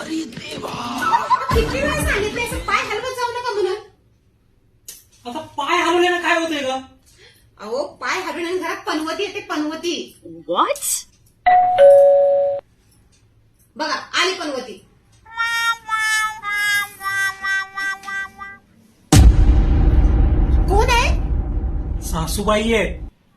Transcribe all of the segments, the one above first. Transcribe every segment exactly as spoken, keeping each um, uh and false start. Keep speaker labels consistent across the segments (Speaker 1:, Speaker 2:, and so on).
Speaker 1: अरे देवा,
Speaker 2: किती वेळा सांगितलं असं पाय हलवत जाऊ नका म्हणून.
Speaker 3: आता पाय हलवल्यानं काय होतंय ग?
Speaker 2: अहो पाय हलवण्याने घरात पनवती येते, पनवती.
Speaker 1: व्हॉट?
Speaker 2: बघा आली पनवती. कोण आहे?
Speaker 3: सासूबाई आहे.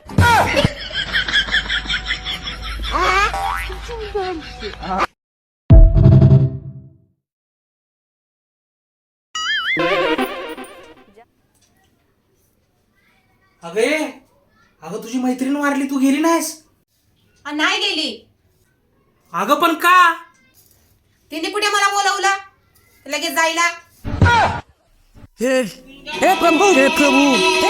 Speaker 3: अगे अगं तुझी मैत्रीण वारली, तू गेली नाहीस?
Speaker 2: आ, नाही गेली.
Speaker 3: अगं पण का?
Speaker 2: तिने कुठे मला बोलवलं लगेच जायला?
Speaker 1: हे हे प्रभू, हे प्रभू,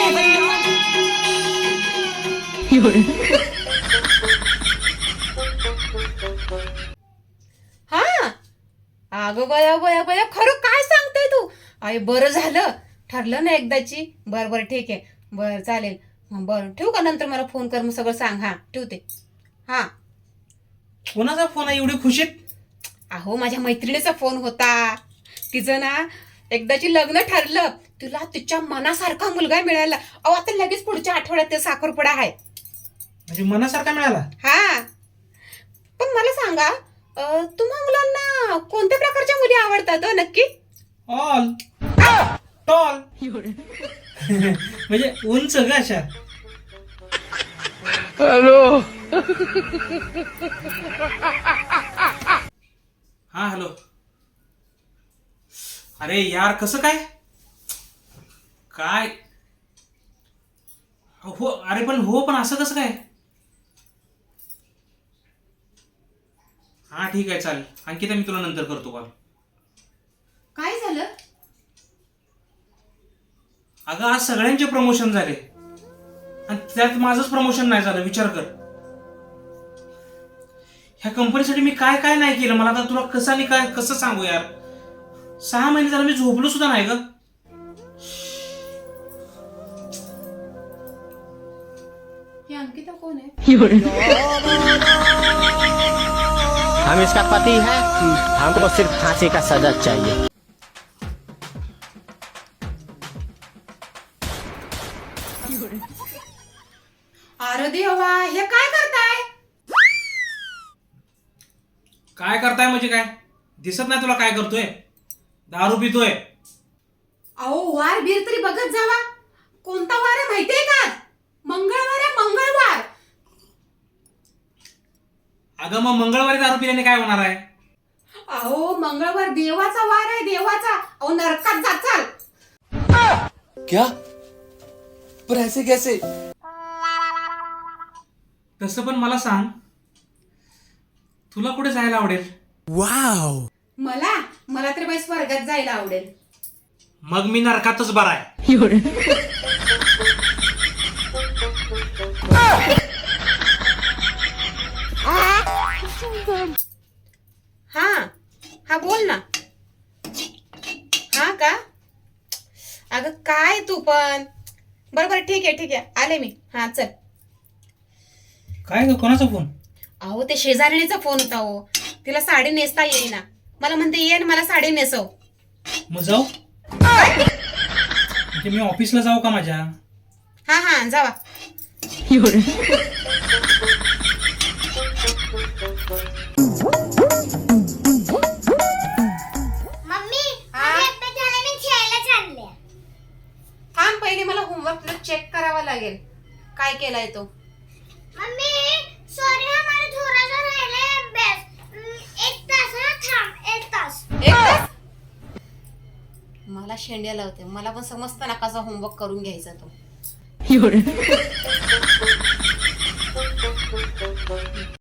Speaker 2: हा अगं बया बया बया, खरं काय सांगतेय तू? अरे बरं झालं, ठरलं ना एकदाची. बरं बरं ठीक आहे, बरं चालेल. हं, बरं ठेवू का? नंतर मला फोन कर, मग सगळं सांग. हा ठेवते. हा
Speaker 3: कोणाचा फोन आहे एवढी खुशीत?
Speaker 2: अहो माझ्या मैत्रिणीचा फोन होता. तिचं ना एकदाची लग्न ठरलं, तिला तिच्या मनासारखा मुलगा मिळाला. अहो आता लगेच पुढच्या आठवड्यात ते साखरपुडा आहे.
Speaker 3: म्हणजे मनासारखा मिळाला?
Speaker 2: हा पण मला सांगा, अं, तुम्हा मुलांना कोणत्या प्रकारच्या मुली आवडतात हो नक्की?
Speaker 3: ऑल टॉल म्हणजे उंच ग अशा.
Speaker 1: हॅलो.
Speaker 3: हा हॅलो. अरे यार कसं काय काय हो? अरे पण हो, पण असं कसं काय? हा ठीक आहे चालेल. अंकिता मी तुला नंतर करतो कॉल.
Speaker 2: काय झालं?
Speaker 3: अगं आज सगळ्यांचे प्रमोशन झाले आणि त्यात माझंच प्रमोशन नाही झालं. विचार कर, ह्या कंपनीसाठी मी काय काय नाही केलं. मला आता तुला कसं आणि काय कसं सांगू यार. सहा महिने झालं मी झोपलो सुद्धा नाही ग.
Speaker 2: ही अंकिता कोण आहे?
Speaker 4: हम इसका पति है, हमको सिर्फ फांसी का सजा चाहिए।
Speaker 2: अरे देवा, हे काय करताय?
Speaker 3: काय करताय म्हणजे काय? दिसत नाही तुला काय करतोय? दारू पितोय.
Speaker 2: अहो वार बीर तरी बघत जावा. कोणता वार आहे माहितीये का? मंगळवार आहे, मंगळवार.
Speaker 3: अगं मग मंगळवारी दारू पिल्याने काय होणार आहे?
Speaker 2: अहो मंगळवार देवाचा वार आहे, देवाचा. अहो नरकात जाचाल.
Speaker 1: क्या? पर ऐसे कैसे?
Speaker 3: तसं पण मला सांग, तुला कुठे जायला आवडेल?
Speaker 1: वाव.
Speaker 2: मला मला तर बाई स्वर्गात जायला आवडेल.
Speaker 3: मग मी नरकातच बरा आहे.
Speaker 2: हा हा बोल ना. हा का? अगं काय तू पण. बरोबर ठीक आहे ठीक आहे, आले मी. हा चल.
Speaker 3: काय ग, कोणाचा फोन?
Speaker 2: अहो ते शेजारणीचा फोन होता. हो तिला साडी नेसता येईना. मला म्हणते ये ना मला साडी नेसव.
Speaker 3: मग जाऊ म्हणजे मी ऑफिसला जाऊ का माझ्या?
Speaker 2: हा हा जावा.
Speaker 5: मम्मी
Speaker 2: हा?
Speaker 5: पेपर झाले, मी खेळायला चालले.
Speaker 2: थांब पहिले मला होमवर्क चेक करावा लागेल. काय केलाय तो?
Speaker 5: मम्मी सॉरी हा, मला थोडासा राहिलाय अभ्यास. हम्म, एक तास हा, थांब एक तास.
Speaker 2: एक तास? मला शेंड्या लावते. मला पण समजतं ना कसा होमवर्क करून घ्यायचा तो.